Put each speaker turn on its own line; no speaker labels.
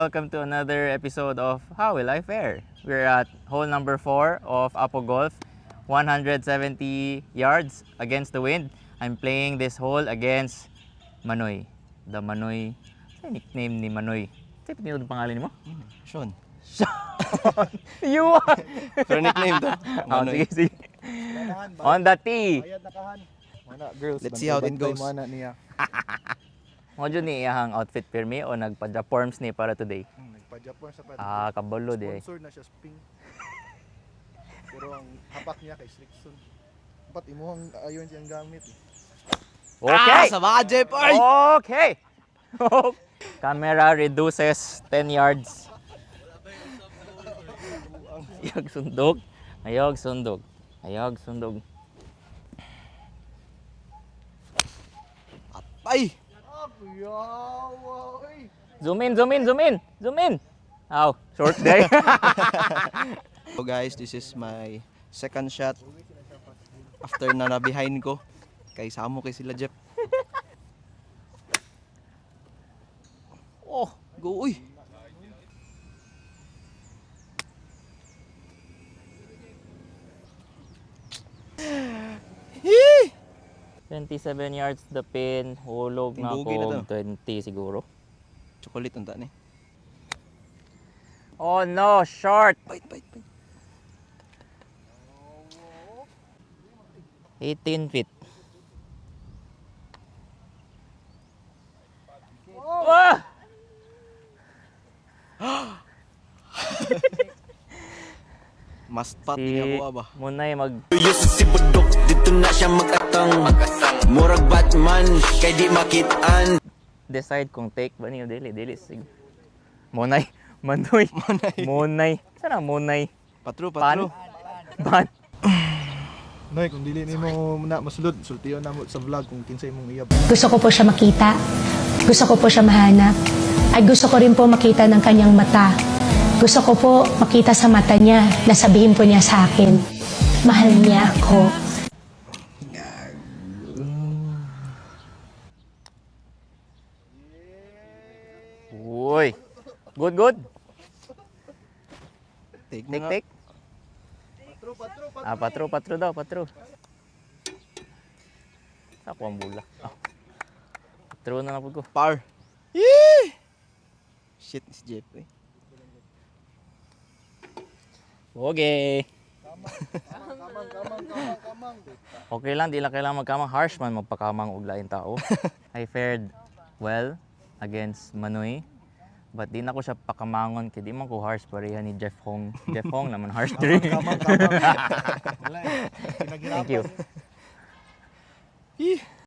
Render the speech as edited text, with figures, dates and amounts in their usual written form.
Welcome to another episode of How Will I Fare? We're at hole number 4 of Apo Golf, 170 yards against the wind. I'm playing this hole against Manoy. The Manoy, ano nickname ni Manoy? Ano yung pangalan mo?
Sean.
You are!
Pero nickname to.
Oh, sige, sige. On the tee.
Let's see how it goes.
Mo dyan ni iyahang outfit pirmi o nagpa-forms ni para today?
Nagpa-Japan sa
Kabalo di.
Sponsor na siya Spring. Pero ang hapak niya kay Slickson. Dapat imuhang ayon siyang gamit.
Okay!
Sa budget, boy!
Okay! Camera reduces 10 yards. Ayog sundog. Ayog sundog. Ayog sundog.
Ay!
Zoom in, zoom in, zoom in, zoom in. Ow, short day.
So guys, this is my second shot. After na behind ko. Kay Samo kay sila Jeff. Oh, go uy!
27 yards the pin, hulog na
Timbugi na
ko 20 siguro.
Chocolate unta ni.
Oh no, short.
Bite, bite, bite.
18 feet. Ah!
Mas pat
Si
niya ko ba?
Munay mag
Yusuf si Budok, dito na siya mag-atang Murag Batman, kay di makitaan
decide kung take ba niyo dili sig. Munay, Manoy. Munay. Sana Munay.
Patro,
Pan.
patro.
Ban.
Noy, kung dili nimo na masulod, sultiyon na mo sa vlog kung kinsay mong iyab.
Gusto ko po siya makita. Gusto ko po siya mahanap. Ay gusto ko rin po makita ng kanyang mata. Gusto ko po makita sa mata niya na sabihin po niya sa akin, mahal niya ako.
Uy. Good, good.
Take
Take,
na.
take. Patro daw, patro. Ako ang bula. Patro na po ko.
Par. Yee! Shit, si Jeff eh.
Okay. Okay lang, di lang kailangan magkamang harsh man magpakamang og lain tao. I fared well against Manoy. But di na ko siya pakamangon kay di man ko harsh pareha ni Jeff Hong. Jeff Hong naman harsh diri.
Kamang.
Thank you.
Yee!